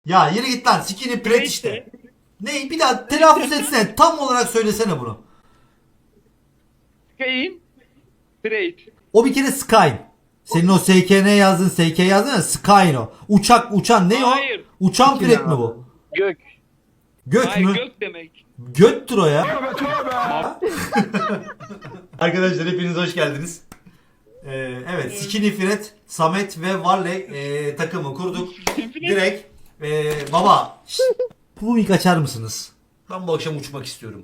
Ya yürü git lan. Skinny Pret işte. Ne? Bir daha telaffuz etsene. Tam olarak söylesene bunu. Sky'in Trade. O bir kere Sky. Senin o SKN yazdın, SK yazdın ya, Skyne o. Uçak, uçan ne o? Hayır. Uçan Pret mi bu? Gök. Gök Hayır mü? gök demek. Göttür o ya. Arkadaşlar hepiniz hoş geldiniz. Evet, Skinny Fred, Samet ve Varley takımı kurduk. Direkt baba şşt, bu ilk açar mısınız? Ben bu akşam uçmak istiyorum.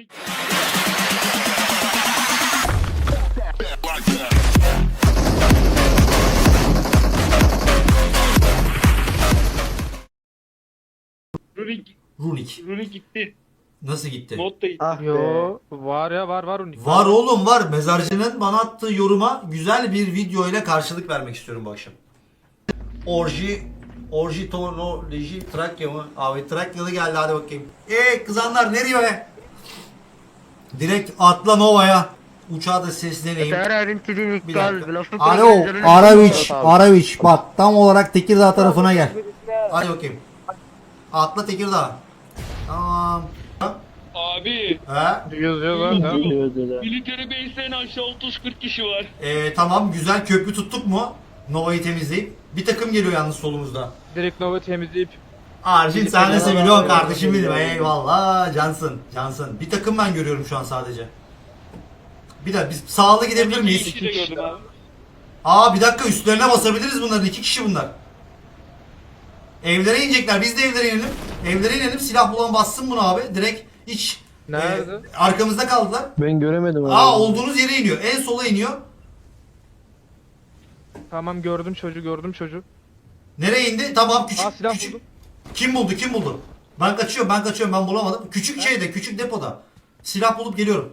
Rurik. Runik. Rurik gitti. Nasıl gitti? Mod da gitti. Ah be. Yo var ya var unik. Var oğlum var. Mezarcının bana attığı yoruma güzel bir video ile karşılık vermek istiyorum bu akşam. Orjitonoloji Trakya mı? Abi Trakyalı geldi, hadi bakayım. Kızanlar nereye be? Direkt atla Nova'ya. Uçağa da sesleneyim. Bir dakika. Alo Araviç bak tam olarak Tekirdağ tarafına gel. Hadi bakayım. Atla Tekirdağ. Tamam. Abi. He? Yazıyorlar ha. Military base'den aşağı 30-40 kişi var. Tamam güzel, köprü tuttuk mu? Nova'yı temizleyip. Bir takım geliyor yalnız solumuzda. Direkt Nova temizleyip Arjin sen de seviyorsun kardeşim benim. Eyvallah cansın. Cansın. Bir takım ben görüyorum şu an sadece. Bir dakika biz sağlı gidebilir İki miyiz? kişi de gördüm abi. Aa bir dakika, üstlerine basabiliriz bunların. 2 kişi bunlar. Evlere inecekler. Biz de evlere inelim. Evlere inelim. Silah bulan bassın bunu abi. Direkt hiç Nerede? arkamızda kaldılar. Ben göremedim abi. Olduğunuz yere iniyor. En sola iniyor. Tamam gördüm çocuğu. Nereye indi? Tamam küçük. Aa silah küçük. buldum. Kim buldu? Kim buldu? Ben kaçıyorum. Ben bulamadım. Küçük şeyde, küçük depoda. Silah bulup geliyorum.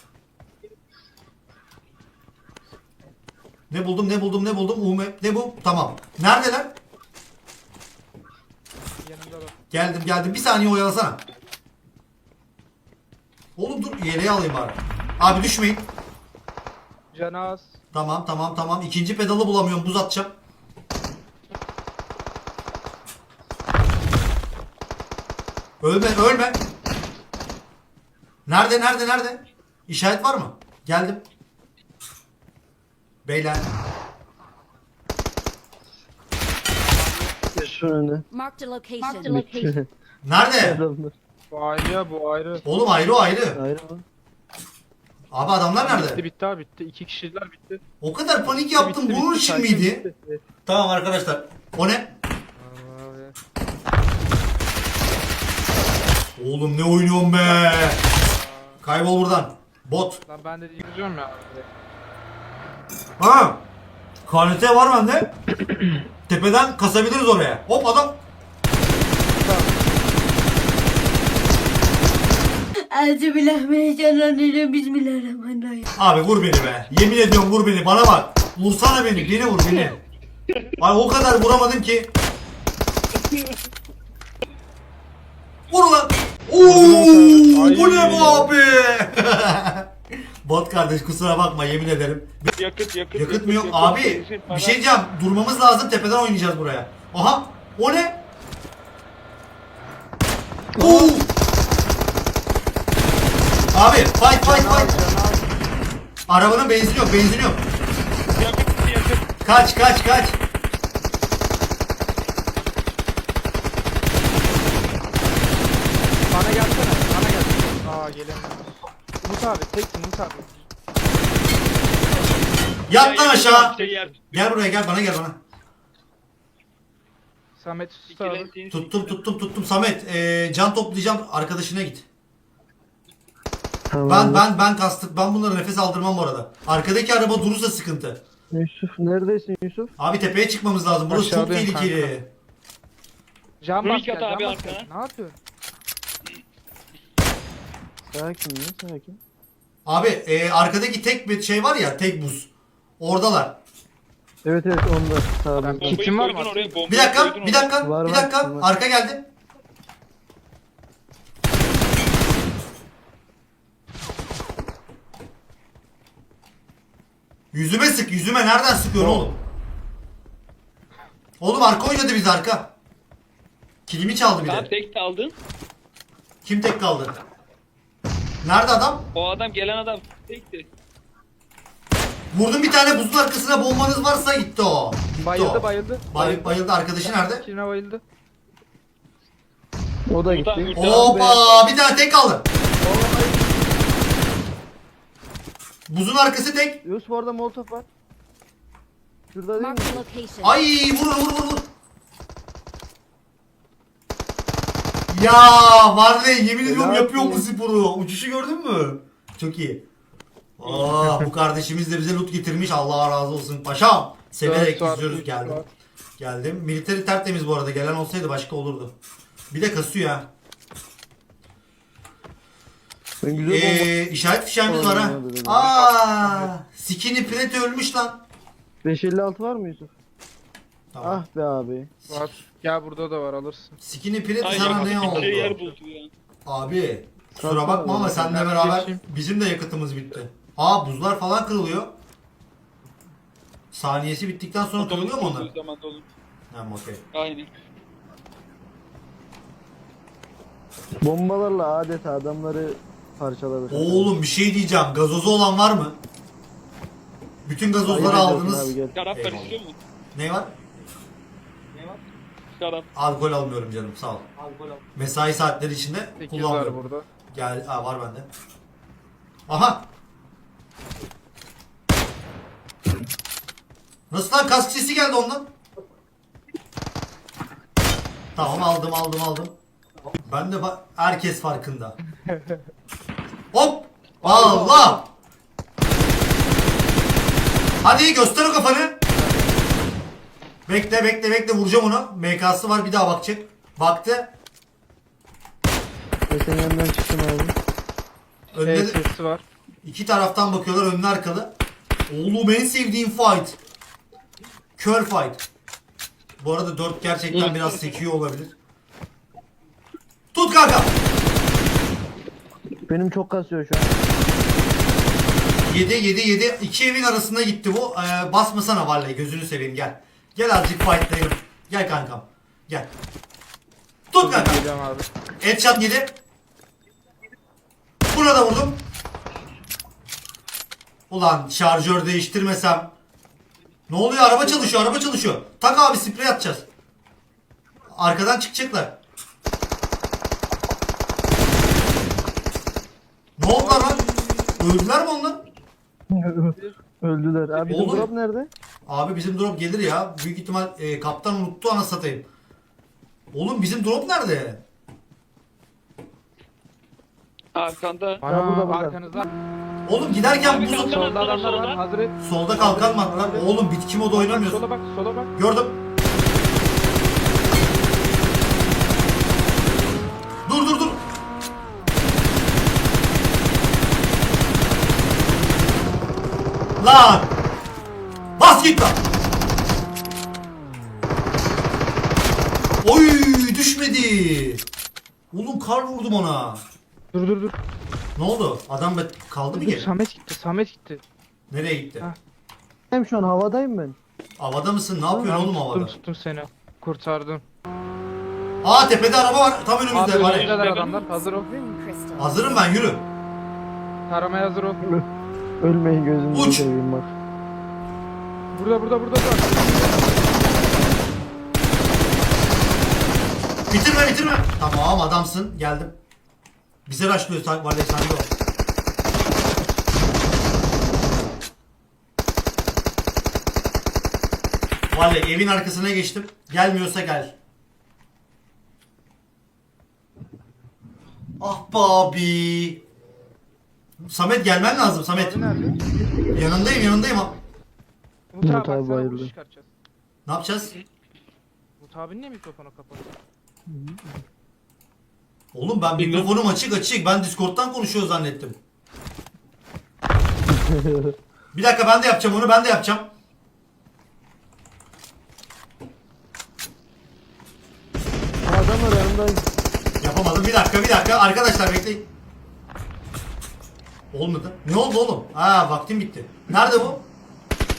Ne buldum? Ne bu? Tamam. Neredeler? Yanımda bak. Geldim. Bir saniye oyalasana. Oğlum dur, yeleği alayım bari. Abi düşmeyin. Canaz. Tamam. İkinci pedalı bulamıyorum. Buz atacağım. Ölme. Nerede? İşaret var mı? Geldim. Beyler. Şu önüne. Marked a location. Nerede? Adamlar. Bu ayrı ya bu ayrı. Oğlum ayrı. Ayrı mı? Abi adamlar nerede? Bitti abi bitti. 2 kişiler bitti. O kadar panik yaptım. Bitti, Bunun bitti, için sakin, miydi? bitti. Evet. Tamam arkadaşlar. O ne? Abi. Oğlum ne oynuyorsun be? Kaybol buradan. Bot. Lan ben de yazıyorum ya. Ha. KNT var bende. Tepeden kasabiliriz oraya. Hop adam. Euzubillahimineşşeytanirracim. Bismillahirrahmanirrahim. Abi vur beni be. Yemin ediyorum vur beni. Bana bak. Vursana beni. Beni vur beni. Ay o kadar vuramadım ki. Vur lan. Oo, Ay. bu ne bu abi? Bot kardeş kusura bakma, yemin ederim. Yakıt mı yok? Abi bir şey diyeceğim. Durmamız lazım. Tepeden oynayacağız buraya. Aha. O ne? Oo. Abi fight. Arabanın benzini yok. Yakıt. Kaç. Bana gelsene. Aa gelemiyorum. Umut abi teksin Umut abi. Yat lan aşağı. Yer. Gel buraya, gel bana. Samet sus abi. Tuttum Samet. Can toplayacağım, arkadaşına git. Tamam. Ben kastık. Ben bunlara nefes aldırmam bu arada. Arkadaki araba durursa sıkıntı. Yusuf neredesin Yusuf? Abi tepeye çıkmamız lazım. Burası çok Aşağıdayım tehlikeli. Can Runik bas gel. at Can abi bas arkana. gel. Ne yapıyorsun? Sakin. Abi arkadaki tek bir şey var ya, tek buz. Oradalar. Evet onda. Sağda. Bombayı Kitin var mı? koydun oraya, bombayı Bir dakika. koydun oraya. Var. Arka geldi. Yüzüme sık. Nereden sıkıyorsun oğlum? Oğlum arka oynadı, biz arka. Kilimi çaldı bir Tamam de. tek aldın. Kim tek kaldı? Nerede adam? O adam gelen adam tekti. Vurdum bir tane, buzun arkasına bombanız varsa gitti o. Gitti Bayıldı o. bayıldı. Bayıldı. Arkadaşı nerede? Çin'e bayıldı. O da Buradan gitti. buradan. Hoppa, bir tane tek kaldı. Buzun arkası tek. Yusuf orada molotof var. Şurada değil mi? Marked a location. Ay, vur. Ya var ya, yemin ediyorum Helal yapıyor bu olsun. sporu. Uçuşu gördün mü? Çok iyi. Bu kardeşimiz de bize loot getirmiş. Allah razı olsun paşam. Severek Dört var, izliyoruz, üç geldim. var. Geldim. Militeri tertemiz bu arada. Gelen olsaydı başka olurdu. Bir de kasıyor ha. Ben güzel bomba. İşaret fişeğimiz var ha. Olmadı dedim. Skinny Pret ölmüş lan. 556 var mı Yusuf? Tamam. Ah be abi. Var. Gel burada da var alırsın. Skinny Pret Ay sana ne yakıt oldu? bir yer buldu ya. Abi kusura Kalsana bakma ama oğlum, seninle ben beraber geçeyim. bizim de yakıtımız bitti. Buzlar falan kırılıyor. Saniyesi bittikten sonra kırılıyor mu onlar? Olduğu zaman dolu. Tamam, okey. Aynen. Bombalarla adeta adamları parçaladı. Oğlum bir şey diyeceğim. Gazozu olan var mı? Bütün gazozları Hayırlı olsun aldınız. abi, gel. Şarap ver Eyvallah. istiyor musun? Ne var? Şarap. Alkol almıyorum canım, sağ ol. Mesai saatleri içinde 8 var kullanmıyorum. burada. Gel, var bende. Aha. Nasıl lan, kask sesi geldi ondan. Tamam, aldım. Ben de herkes farkında. Hop! Allah! Hadi göster o kafanı. Bekle vuracağım onu. MK'sı var, bir daha bakacak. Baktı. Ve senin yanından çıktım abi. Önde sesi var. iki taraftan bakıyorlar, önlü arkalı. Oğlum en sevdiğim fight. Kör fight. Bu arada 4 gerçekten biraz sekiyor olabilir. Tut kanka. Benim çok kasıyor şu an. 7. İki evin arasında gitti bu. Basmasana vallahi, gözünü seveyim, gel. Gel azıcık fightlayalım. Gel kankam. Gel. Tut kanka. Geliyorum abi. Headshot yedi. Buna da vurdum. Ulan şarjör değiştirmesem. Ne oluyor? Araba çalışıyor. Tak abi, sprey atacağız. Arkadan çıkacaklar. Ne oldu lan? Öldüler mi onlar? Öldüler. Abi bizim Oğlum. drop nerede? Abi bizim drop gelir ya. Büyük ihtimal kaptan unuttu, ana satayım. Oğlum bizim drop nerede? Arkanda. Ana burada. arkanızda. Oğlum giderken Abi buzu... kalkan Solda attılar, adamlar var. solda. Hazır et. Solda kalkan mı attılar? Oğlum bitki modu oynamıyorsun. Sola bak, sola bak. Gördüm. Dur. Lan! Bas git lan! Oy, düşmedi. Oğlum kar vurdum ona. Dur. Ne oldu? Adam kaldı mı geri? Samet gitti. Nereye gitti? Ha. Hem şu an havadayım ben. Havada mısın? Ne yapıyorsun oğlum havada? Tuttum seni. Kurtardım. Tepede araba var. Tam önümüzde. Abi Var ya. önümüzdeler adamlar. Hazır ol. Crystal. Hazırım ben, yürü. Taramaya hazır ol. Ölmeyin gözünüzü Uç. seveyim bak. Burada. Bitirme. Tamam, adamsın. Geldim. Bize rushlıyor. Vallahi sen de o. Vallahi evin arkasına geçtim. Gelmiyorsa gel. Ah be abi. Samet gelmen lazım Samet. Abi nerede? Yanındayım. Umut Umut abi abi baksana, bayıldı. vuruş çıkartacağız. Ne yapacağız? Umut abinin niye mikrofonu kapalı? Oğlum ben mikrofonum açık. Ben Discord'dan konuşuyor zannettim. Bir dakika, ben de yapacağım onu. Adamlar yanımda. Yapamadım. Bir dakika. Arkadaşlar bekleyin. Olmadı. Ne oldu oğlum? Vaktim bitti. Nerede bu?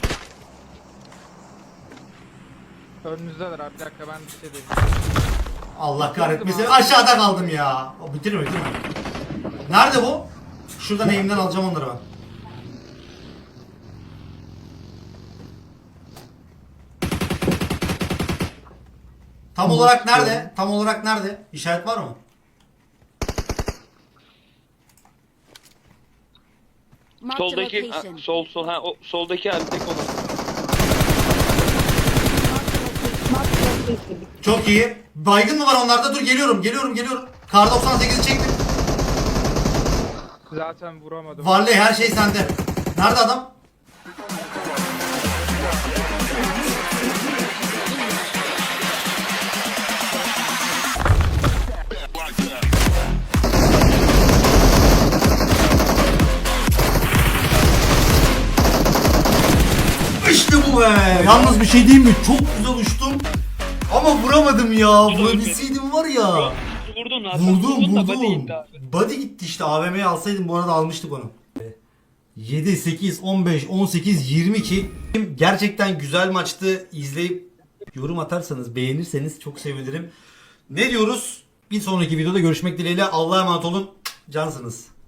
Önünüzdeler abi. Bir dakika ben bir şey diyeyim. Allah kahretmesin. Aşağıda kaldım ya. Bitirme. Nerede bu? Şuradan eğimden alacağım onları ben. Tam olarak nerede? Tam olarak nerede? İşaret var mı? Marked a Soldaki location. sol ha o soldaki abi tek olan. Çok iyi. Baygın mı var onlarda? Dur geliyorum. Kar 98'i çektim. Zaten vuramadım. Varley her şey sende. Nerede adam? İşte bu be. Yalnız bir şey diyeyim mi? Çok güzel uçtum. Ama vuramadım ya. Vurabilseydim var ya. Vurdun Hasan. Vurdum. Da body gitti abi. Body gitti işte. AVM'yi alsaydım bu arada almıştık onu. 7, 8, 15, 18, 22. Gerçekten güzel maçtı. İzleyip yorum atarsanız, beğenirseniz çok sevinirim. Ne diyoruz? Bir sonraki videoda görüşmek dileğiyle. Allah'a emanet olun. Cansınız.